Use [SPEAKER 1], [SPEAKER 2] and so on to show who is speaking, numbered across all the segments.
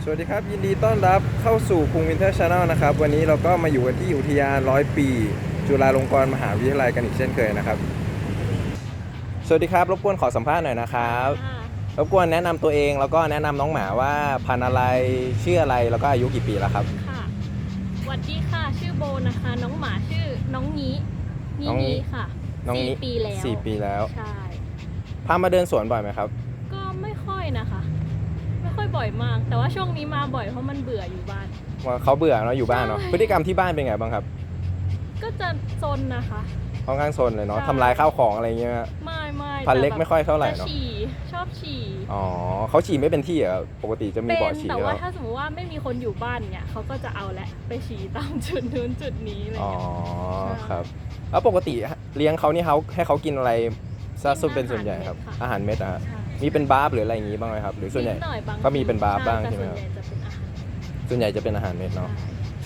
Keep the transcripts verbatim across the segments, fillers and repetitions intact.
[SPEAKER 1] สวัสดีครับยินดีต้อนรับเข้าสู่คุงวินเทอร์ชาแนลนะครับวันนี้เราก็มาอยู่กันที่อุทยานร้อยปีจุฬาลงกรณ์มหาวิทยาลัยกันอีกเช่นเคยนะครับสวัสดีครับรบกวนขอสัมภาษณ์หน่อยนะครับรบกวนแนะนำตัวเองแล้วก็แนะนำน้องหมาว่าพันธุ์อะไรชื่ออะไรแล้วก็อายุกี่ปีแล้วครับ
[SPEAKER 2] ค่ะสวัสดีค่ะชื่อโบนะคะน้องหมาชื่อน้องนี้นี้นี้ค่ะ
[SPEAKER 1] น้องนี้
[SPEAKER 2] สี่ปีแล้ว
[SPEAKER 1] สี่ปีแล้ว
[SPEAKER 2] ใช่
[SPEAKER 1] พามาเดินสวนบ่อยไหมครับ
[SPEAKER 2] ก็ไม่ค่อยนะคะไม่ค่อยบ่อยมากแต่ว่าช่วงนี้มาบ่อยเพราะมันเบื่ออยู่บ้าน
[SPEAKER 1] ว่าเขาเบื่อเนาะอยู่บ้านเนาะพฤติกรรมที่บ้านเป็นไงบ้างครับ
[SPEAKER 2] ก็จะซนนะคะ
[SPEAKER 1] ค่อนข้างซนเลยเนาะทำลายข้าวของอะไรเงี้ย
[SPEAKER 2] ไม่ไม่
[SPEAKER 1] พันเล็กไม่ค่อยเท่าไหร่เนาะ
[SPEAKER 2] ฉี่ชอบฉี่
[SPEAKER 1] อ๋อเขาฉี่ไม่เป็นที่อ่ะปกติจะมีบ่อฉี่
[SPEAKER 2] แต่ว่าถ้าสมมติว่าไม่มีคนอยู่บ้านเนี่ยเขาก็จะเอาแหละไปฉี่ตามจุดนู้นจุดนี้อะไร
[SPEAKER 1] อ๋อ
[SPEAKER 2] เงี้ย
[SPEAKER 1] ครับแล้วปกติเลี้ยงเขานี่เขาให้เขากินอะไรซะส่วนเป็นส่วนใหญ่ครับอาหารเม็ดอะมีเป็นบาร์ฟหรืออะไรอย่างงี้บ้างไหมครับหรือส่วนใหญ่ก็มีเป็นบาร์ฟบ้างใช่ไหมครับส่วนใหญ่จะเป็นอาหารเม็ดเนาะ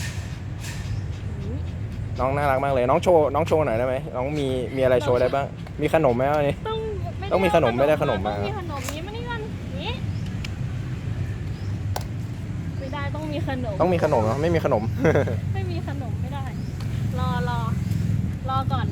[SPEAKER 1] น้องน่ารักมากเลยน้องโชว์น้องโชว์หน่อยได้ไหมน้องมีมีอะไรโชว์ได้บ้างมีขนมไหมวันนี้
[SPEAKER 2] ต้อง
[SPEAKER 1] ต้องมีขนมไม่ได้ขนมมา
[SPEAKER 2] ต้องมีขนมนี้มานี่ก่อนนี้ไม่ได้ต้องมีขนม
[SPEAKER 1] ต้องมีขนมเนาะไม่มีขนม
[SPEAKER 2] ไม่มีขนมไม่ได้รอรอรอก่อน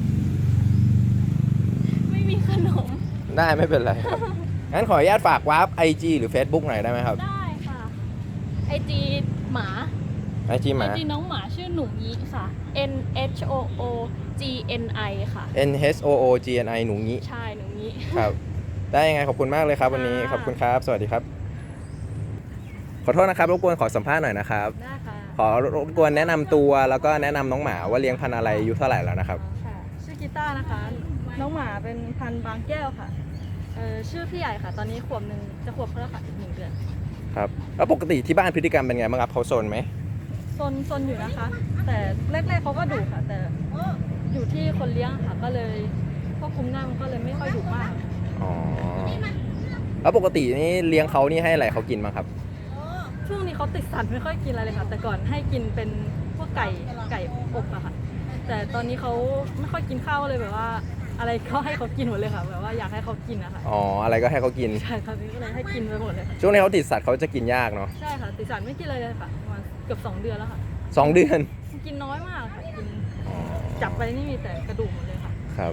[SPEAKER 2] ไม่มีขนม
[SPEAKER 1] ได้ไม่เป็นไรครับงั้นขออนุญาตฝากวาร์ป ไอ จี หรือ Facebook หน่อยได้ไหมครับ
[SPEAKER 2] ได้ค่ะไอจีหมา
[SPEAKER 1] ไอจีหมา
[SPEAKER 2] ไอจีน้องหมาชื่อหนูงี้ค่ะ N H O O G N I ค่ะ
[SPEAKER 1] N H O O G N I หนูงี้
[SPEAKER 2] ใช่หนูงี้
[SPEAKER 1] ครับได้ยังไงขอบคุณมากเลยครับวันนี้ขอบคุณครับสวัสดีครับขอโทษนะครับรบกวนขอสัมภาษณ์หน่อยนะครับ
[SPEAKER 2] ได้ค่ะ
[SPEAKER 1] ขอรบกวนแนะนำตัวแล้วก็แนะนำน้องหมาว่าเลี้ยงพันธุ์อะไรอายุเท่าไหร่แล้วนะครับ
[SPEAKER 2] ค่ะชื่อกีตาร์นะคะน้องหมาเป็นพันธุ์บางแก้วค่ะเออชื่อพี่ใหญ่ค่ะตอนนี้ขวบหนึ่งจะขวบแล้วค่ะอีกหนึ่งเดือน
[SPEAKER 1] ครับแล้วปกติที่บ้านพฤติกรรมเป็นไงบ้างครับเขาโซนไหม
[SPEAKER 2] ซนซนอยู่นะคะแต่แรกๆเขาก็ดุค่ะแต่อยู่ที่คนเลี้ยงค่ะก็เลยควบคุมง่ายมันก็เลยไม่ค่อยดุมาก
[SPEAKER 1] อ๋อแล้วปกตินี่เลี้ยงเขานี่ให้อะไรเขากินบ้างครับ
[SPEAKER 2] ช่วงนี้เขาติดสัตว์ไม่ค่อยกินอะไรเลยค่ะแต่ก่อนให้กินเป็นพวกไก่ไก่อบอะค่ะแต่ตอนนี้เขาไม่ค่อยกินข้าวเลยแบบว่าอะไรก็ให้เขากินหมดเลยค่ะแบบว่าอยากให้เขากินนะคะ
[SPEAKER 1] อ๋ออะไรก็ให้เขากิน
[SPEAKER 2] ใช่ค่ะนี่ก็เลยให้กินไปหมดเลย
[SPEAKER 1] ช่วงนี้เขาติดสัตว์เขาจะกินยากเนาะ
[SPEAKER 2] ใช่ค่ะติดสัตว์ไม่กินเลยเลยค่ะประมาณเกือบสองเดือนแล้วค่ะ
[SPEAKER 1] สองเดือน
[SPEAKER 2] กินน้อยมากค่ะกินจับไปนี่มีแต่กระดูกหมดเลยค่ะ
[SPEAKER 1] ครับ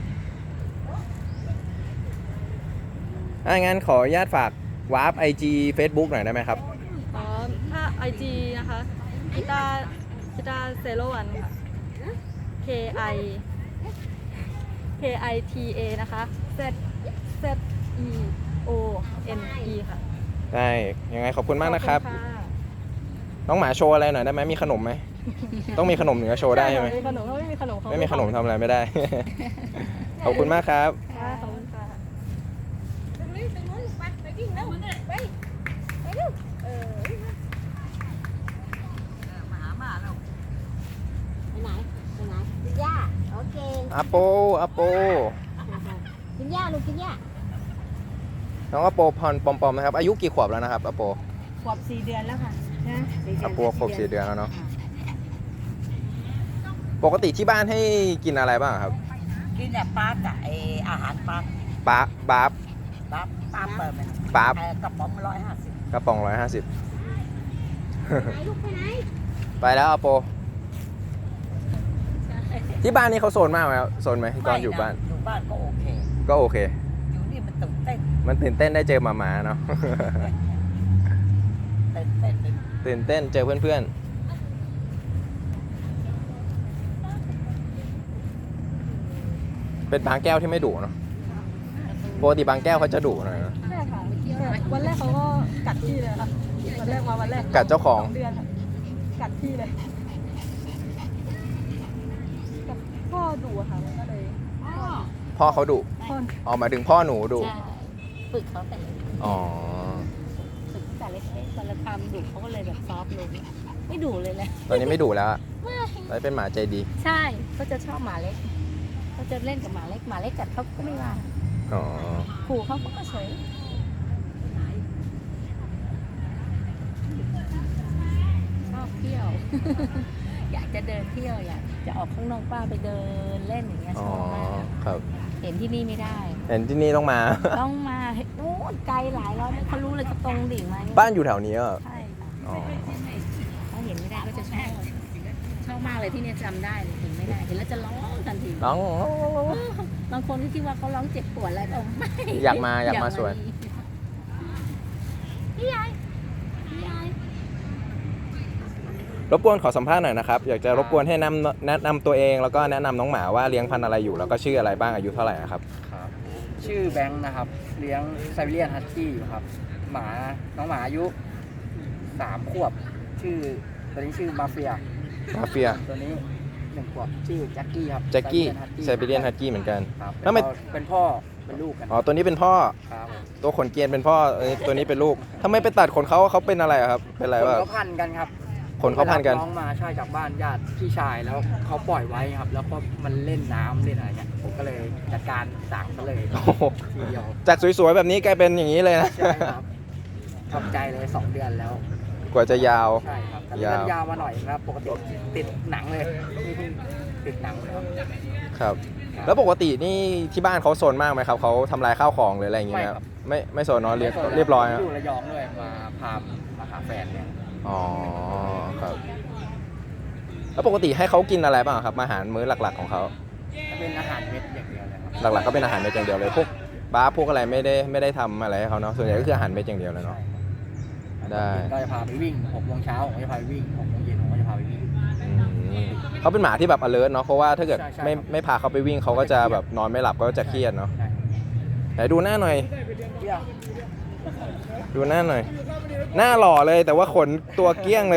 [SPEAKER 1] ถ้างั้นขออนุญาตฝากวาร์ป ไอ จี Facebook หน่อยได้ไหมครับ
[SPEAKER 2] อ๋อถ้า ไอ จี นะคะกีตาร์กีตาร์เซโลวันค่ะ K I K I T A นะคะ Z Z E O N E ค่ะ
[SPEAKER 1] ได้ยังไงขอบคุณมากนะครับน้องหมาโชว์อะไรหน่อยได้ไหมมีขนมไหมต้องมีขนมเหนือโชว์ได้ใช่ไหม
[SPEAKER 2] มีขนมเขาไม่มีขนม
[SPEAKER 1] ไม่มีขนมทำอะไรไม่ได้ขอบคุณมากครับ
[SPEAKER 2] ขอบคุณค่ะ
[SPEAKER 3] ย่าโอเค
[SPEAKER 1] อาโปอาโป
[SPEAKER 3] กินย่าลูกกินย่า
[SPEAKER 1] น้องอาโปพรปอมปอมนะครับอายุกี่ขวบแล้วนะครับอาโป
[SPEAKER 3] ขวบสี่เดือนแล้วค่ะนะ
[SPEAKER 1] อาโปขวบสี่เดือนแล้วเนาะปกติที่บ้านให้กินอะไรบ้างครับ
[SPEAKER 3] กินแต่ปลากับไออาหารปลา
[SPEAKER 1] ปลาบาร์ฟ
[SPEAKER 3] ปลาปลาเปิดมัน
[SPEAKER 1] ปลาก
[SPEAKER 3] ระป๋องร้อยห้าสิบ
[SPEAKER 1] กระป๋องร้อยห้าสิบ
[SPEAKER 3] ลูกไปไหน
[SPEAKER 1] ไปแล้วอาโปที่บ้านนี่เขาโซนมากไหมครับโซนไหมตอนอยู่บ้าน
[SPEAKER 3] อยู่บ้านก็โอเค
[SPEAKER 1] ก็โอเค
[SPEAKER 3] อยู่นี่มันตื่นเต้น
[SPEAKER 1] มันตื่นเต้นได้เจอหมาหมาเนาะ
[SPEAKER 3] ตื่นเต้น
[SPEAKER 1] ตื่นเต้นเจอเพื่อนๆเป็นบางแก้วที่ไม่ดุเนาะปกติบางแก้วเขาจะดุหน่อยนะ
[SPEAKER 2] ใช่ค่ะวันแรกเขาก็กัดที่เลยค่ะวันแรกมาวันแรก
[SPEAKER 1] กัดเจ้าของ
[SPEAKER 2] เดือนกัดที่เลยพ่อดุค่ะมันก็เลย
[SPEAKER 1] พ่อเขาดุอ๋อหมายถึงพ่อหนูดุ
[SPEAKER 3] ฝึกเขาแต่
[SPEAKER 1] อ๋อ
[SPEAKER 3] ฝึกแต่เล็กๆตอนละคำดุเขาก็เลยแบบซอฟลงไม่ดุเลยเลย
[SPEAKER 1] ตอนนี้ไม่ดุแล้วแล้วเป็นหมาใจดี
[SPEAKER 3] ใช่เขาจะชอบหมาเล็กเขาจะเล่นกับหมาเล็กหมาเล็กกัดเขาก็ไม่ว่า
[SPEAKER 1] อ๋อ
[SPEAKER 3] ขู่เขาก็เฉยชอบเที่ยวอยากจะเดินเที่ยวอยากจะออกข้างนอกป้าไปเดินเล่นอย่างเงี้ยชอบมาก
[SPEAKER 1] ครับ
[SPEAKER 3] เห็นที่นี่ไม่ได้
[SPEAKER 1] เห็นที่นี่ต้องมา
[SPEAKER 3] ต้องมานู้นไกลหลายร้อยเมตรเขารู้เลยเขาตรงดิ่งมา
[SPEAKER 1] บ้านอยู่แถวนี้เหรอ
[SPEAKER 3] ใช่ค่ะ
[SPEAKER 1] อ๋อ
[SPEAKER 3] เขาเห็นไม่ได้ก็จะชอบชอบมากเลยที่เนี่ยจำได้เลยเห็นไม่ได้เห็นแล้วจะร้องทันที
[SPEAKER 1] น้อง
[SPEAKER 3] บางคนก็คิดว่าเขาร้องเจ็บปวดอะไรบอกไม่
[SPEAKER 1] อยากมาอยากมาสวน
[SPEAKER 3] พี่ยายพี่ยาย
[SPEAKER 1] รบกวนขอสัมภาษณ์หน่อยนะครับอยากจะรบกวนให้นำแนะนำตัวเองแล้วก็แนะนำน้องหมาว่าเลี้ยงพันธุ์อะไรอยู่แล้วก็ชื่ออะไรบ้างอายุเท่าไหร่ครับ
[SPEAKER 4] ครับชื่อแบงค์นะครับ เลี้ยงไซบีเรียนฮัสกี้อยู่ครับ หมาน้องหมาอายุสามขวบ ชื่อตัวนี้ชื่อมาเฟีย
[SPEAKER 1] มาเฟีย
[SPEAKER 4] ตัวนี้หนึ่งขวบชื่อแจ็คกี้ครับ
[SPEAKER 1] แจ็คกี้ไซ
[SPEAKER 4] Siberian
[SPEAKER 1] บีเรียนฮั
[SPEAKER 4] Husky
[SPEAKER 1] สกี้เหมือนกัน
[SPEAKER 4] ครับ
[SPEAKER 1] แล้วไม่
[SPEAKER 4] เป็นพ่อเป็นลูกกัน
[SPEAKER 1] อ๋อตัวนี้เป็นพ่อ
[SPEAKER 4] ครับ
[SPEAKER 1] ตัวขนเกรียนเป็นพ่อเอ้ยตัวนี้เป็นลูกทำไมไปตัดขนเขาเขาเป็นอะไรอะครับเป็นอะไร
[SPEAKER 4] คน
[SPEAKER 1] วะ
[SPEAKER 4] เขาพันกันครับ
[SPEAKER 1] ขนเขาพันกัน
[SPEAKER 4] ไปรับน้องมาใช่จากบ้านญาติพี่ชายแล้วเขาปล่อยไว้ครับ แล้วก็มันเล่นน้ำเล่นอะไรเงี้ยผมก็เลยจัดการสั่งซะเลย
[SPEAKER 1] โอ้โห
[SPEAKER 4] ทีเดียว
[SPEAKER 1] จากสวยๆแบบนี้กลายเป็นอย่างนี้เลยนะ
[SPEAKER 4] ใช่ครับทำใจเลยสองเดือนแล้ว
[SPEAKER 1] กว่าจะยาว
[SPEAKER 4] ใช่ครับแต่
[SPEAKER 1] ยาว
[SPEAKER 4] เลื่อนยาวมาหน่อยครับ ปกติติดหนังเลยนี่เพิ่งติดหนังเลยครับ
[SPEAKER 1] ครับ แล้วปกตินี่ที่บ้านเขาโซนมากไหมครับเขาทำลายข้าวของหรืออะไรอย่างเงี้ย
[SPEAKER 4] ไม่
[SPEAKER 1] ไหม
[SPEAKER 4] ค
[SPEAKER 1] ค
[SPEAKER 4] รั
[SPEAKER 1] รับ บไม่ไม่โซนเนอะเรียบ
[SPEAKER 4] ไม่ค
[SPEAKER 1] เรียบร้อย
[SPEAKER 4] อ
[SPEAKER 1] นะ
[SPEAKER 4] ยู่ระยองด้วยมาพามาหาแฟนเนี่ย
[SPEAKER 1] อ๋อครับแล้วปกติให้เขากินอะไรบ้างครับอาหารมื้อหลักๆของเขา
[SPEAKER 4] จะเป็นอาหารเม็ดอย่างเดียวเลยครับ
[SPEAKER 1] หลักๆก็เป็นอาหารเม็ดอย่างเดียวเลยพวกบ้าร์พวกอะไรไม่ได้ไม่ได้ทำอะไรให้เขาเนาะส่วนใหญ่ก็คืออาหารเม็ดอย่างเดียวเลยเนาะ ได้
[SPEAKER 4] ก็จะพาไปวิ่งหกโมงเช้าผมก็จะพาไปวิ่งหกโมงเย็นผมก็จะพาไปวิ่ง
[SPEAKER 1] อืมเขาเป็นหมาที่แบบ alert เนาะเพราะว่าถ้าเกิด
[SPEAKER 4] ใช่ใช่
[SPEAKER 1] ไม่
[SPEAKER 4] ครับ
[SPEAKER 1] ไม่พาเขาไปวิ่งเขาก็จะแบบนอนไม่หลับก็จะเครียดเนาะ
[SPEAKER 4] ใช่
[SPEAKER 1] ไหนดูหน้าหน่อย
[SPEAKER 4] เที่ยว
[SPEAKER 1] ดูหน้าหน่อย หน้าหล่อเลยแต่ว่าขนตัวเกลี้ยงเลย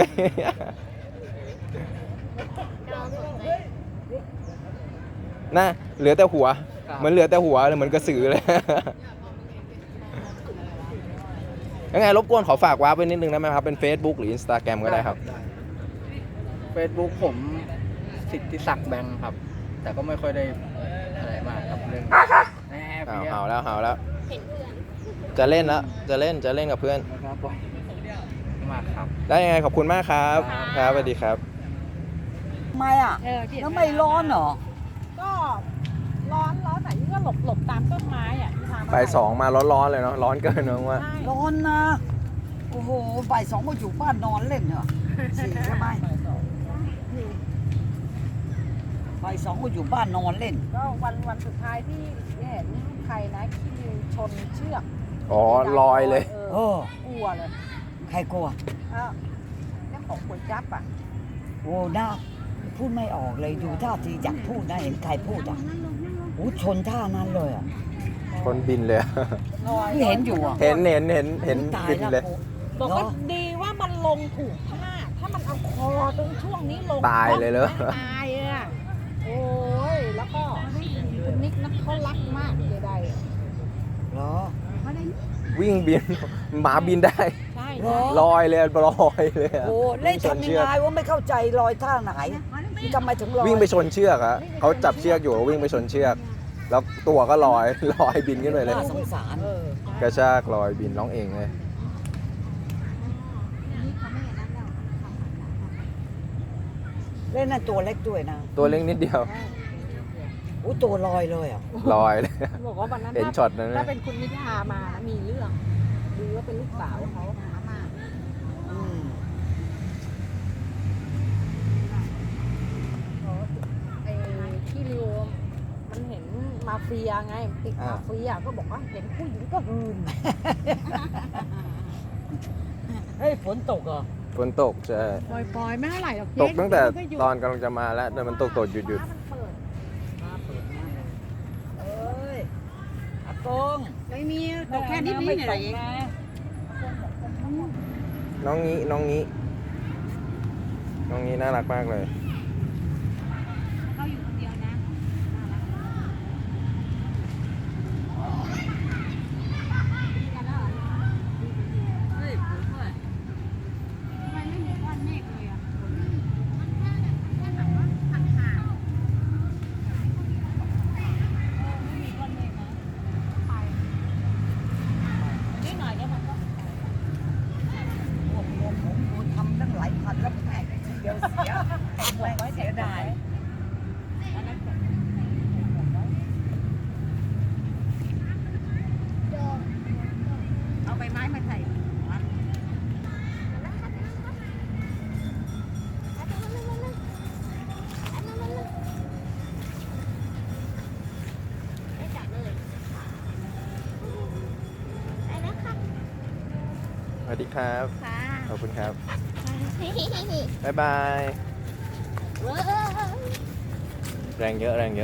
[SPEAKER 1] หน้าเหลือแต่หัว เหมือนเหลือแต่หัวเลยเหมือนกระสือเลย ยังไงรบกวนขอฝากว้าร์ปไว้นิดนึงได้ไหมครับ เป็น Facebook หรือ Instagram ก็ได้ครับ
[SPEAKER 4] เฟซบุ๊กผมสิทธิศักดิ์แบงค์ครับ แต่ก็ไม่ค่อยได้อะไรมากครับเรื่องแน่
[SPEAKER 1] เอา
[SPEAKER 4] เพี้ย
[SPEAKER 1] เห่าแล้วเห่าแล้ว จะเล่นแล้ว จะเล่น จะเล่นกับเพื่อน
[SPEAKER 4] นะครับผมมากครับ
[SPEAKER 1] ได้ยังไงขอบคุณมากครับ ครับสวัสดีครับ
[SPEAKER 5] ทำไมอ่ะ
[SPEAKER 3] เออที่
[SPEAKER 5] แล้วไม่ร้อนเหรอ
[SPEAKER 2] ก็ร้อนร้อนไหนก็หลบหลบตามต้นไม้อ่ะที่ทาง
[SPEAKER 1] ไปสองมาร้อนๆเลยเนาะ ร้อนเกินเนอะว่า
[SPEAKER 2] ใช่
[SPEAKER 5] ร้อนนะ โอ้โหบ่ายสองมาอยู่บ้านนอนเล่นเหรอสี่ใช่ไหมบ่ายสองมาอยู่บ้านนอนเล่น
[SPEAKER 2] ก็วันวันสุดท้ายที่เห็นใครนะที่ชนเชือก
[SPEAKER 1] อ๋อลอยเลย
[SPEAKER 2] เอ
[SPEAKER 5] เอ
[SPEAKER 2] อ
[SPEAKER 5] อ
[SPEAKER 2] กลัวเลย
[SPEAKER 5] ใครกลัว
[SPEAKER 2] อ้าวเจ้าของก๋วยจั๊บอ่ะ
[SPEAKER 5] โอ้น่าพูดไม่ออกเลยดูท่าทีอยากพูดนะเห็นใครพูดอ่ะโอ้ชนท่านั้นเลยอ่ะ
[SPEAKER 1] คนบินเลย
[SPEAKER 2] ลอย
[SPEAKER 5] ที่เห็นอยู่อ่ะ
[SPEAKER 1] เห็นเห็นเห็นเห็น
[SPEAKER 5] ตาย
[SPEAKER 1] บิน
[SPEAKER 5] แล้ว
[SPEAKER 1] เลย
[SPEAKER 2] บอกว่า
[SPEAKER 5] เนาะ
[SPEAKER 2] ดีว่ามันลงถูกท่าถ้ามันเอาคอตรงช่วงนี้ลง
[SPEAKER 1] ตายเลยเหรอ
[SPEAKER 2] ตายอ่ะโอ้ยแล้วก็คุณนิกนะเขารักมากเจไดอะ
[SPEAKER 5] เหรอ
[SPEAKER 1] วิ่งบิน หมาบินได้
[SPEAKER 2] ใช่
[SPEAKER 5] เหรอ
[SPEAKER 1] ลอยเลยลอยเลยอะ
[SPEAKER 5] โอ้เล่น
[SPEAKER 1] ชน
[SPEAKER 5] ทำยั
[SPEAKER 1] เชื
[SPEAKER 5] ง
[SPEAKER 1] อก
[SPEAKER 5] ไงว่าไม่เข้าใจลอยท่าไหนทำไมถึงลอย
[SPEAKER 1] วิ่งไปชนเชือกอะเขาจับเชือกอยู่แล้ววิ่งไปชนเชือก แล้วตัวก็ลอย ลอยบินขึ้นไปเลย
[SPEAKER 5] น่าสงสาร
[SPEAKER 2] เออก
[SPEAKER 1] ระชากลอยบินร้องเองเลย
[SPEAKER 5] เล่นนั่นตัวเล็กด้วยนะ
[SPEAKER 1] ตัวเล็กนิดเดียว
[SPEAKER 5] โอ้ตัวลอยเลยอ่ะ
[SPEAKER 1] ลอยเลย
[SPEAKER 2] บอกว่าวันนั้น
[SPEAKER 1] เห็น
[SPEAKER 2] ถ้า
[SPEAKER 1] ช็อตนั้นไหม
[SPEAKER 2] ถ้าเป็นคุณนิทามานะมีเรื่องดูว่าเป็นลูกสาวเขาหามา
[SPEAKER 5] อืม
[SPEAKER 2] ไอ้ที่ริวมันเห็นมาเฟียไงติดมาเฟียก็บอกว่าเห็นผู้หญิงก็หืน
[SPEAKER 5] เฮ้ยฝนตกเหรอ
[SPEAKER 1] ฝนตกใช่
[SPEAKER 2] ปล่อยๆไม่เท่าไหร่หรอก
[SPEAKER 1] ตกตั้งแต่ตอนกำลังจะมาแล้วแต่มันตกตกหยุดหยุด
[SPEAKER 5] เอ้ยอากง
[SPEAKER 2] ไม่มีตกแค่นิดนิดหน่อยๆเอง
[SPEAKER 1] น้องงี้น้องงี้น้องงี้น่ารักมากเลย
[SPEAKER 3] เขาอยู่คนเดียวนะ
[SPEAKER 5] ผมผมผมทำตั้งหลายพันแล้วแม่ทีเดียวเสียหม
[SPEAKER 1] วัสดีครับ
[SPEAKER 3] ค่ะ
[SPEAKER 1] ขอบคุณครับ บ๊ายบาย แรงเยอะแรงเยอะ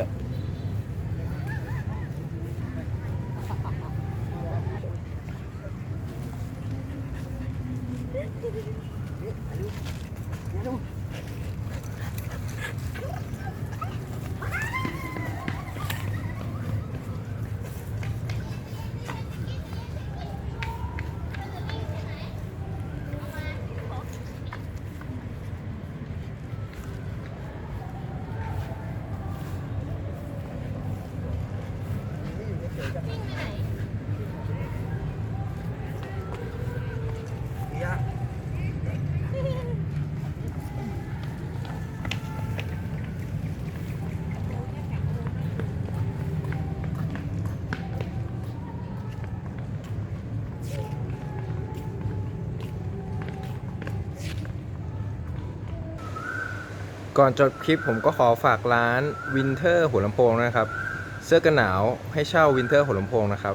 [SPEAKER 1] ก่อนจบคลิปผมก็ขอฝากร้านวินเทอร์หัวลำโพงนะครับ เสื้อกันหนาวให้เช่าวินเทอร์หัวลำโพงนะครับ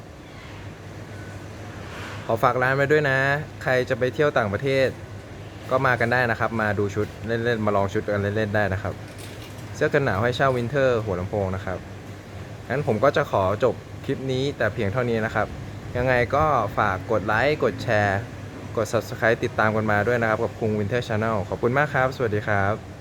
[SPEAKER 1] ขอฝากร้านไว้ด้วยนะ ใครจะไปเที่ยวต่างประเทศก็มากันได้นะครับ มาดูชุดเล่นๆมาลองชุดกันเล่นๆได้นะครับ เสื้อกันหนาวให้เช่าวินเทอร์หัวลำโพงนะครับงั้นผมก็จะขอจบคลิปนี้แต่เพียงเท่านี้นะครับ ยังไงก็ฝากกดไลค์กดแชร์กด ซับสไครบ์ ติดตามกันมาด้วยนะครับกับคุงวินเทอร์ชาแนลขอบคุณมากครับสวัสดีครับ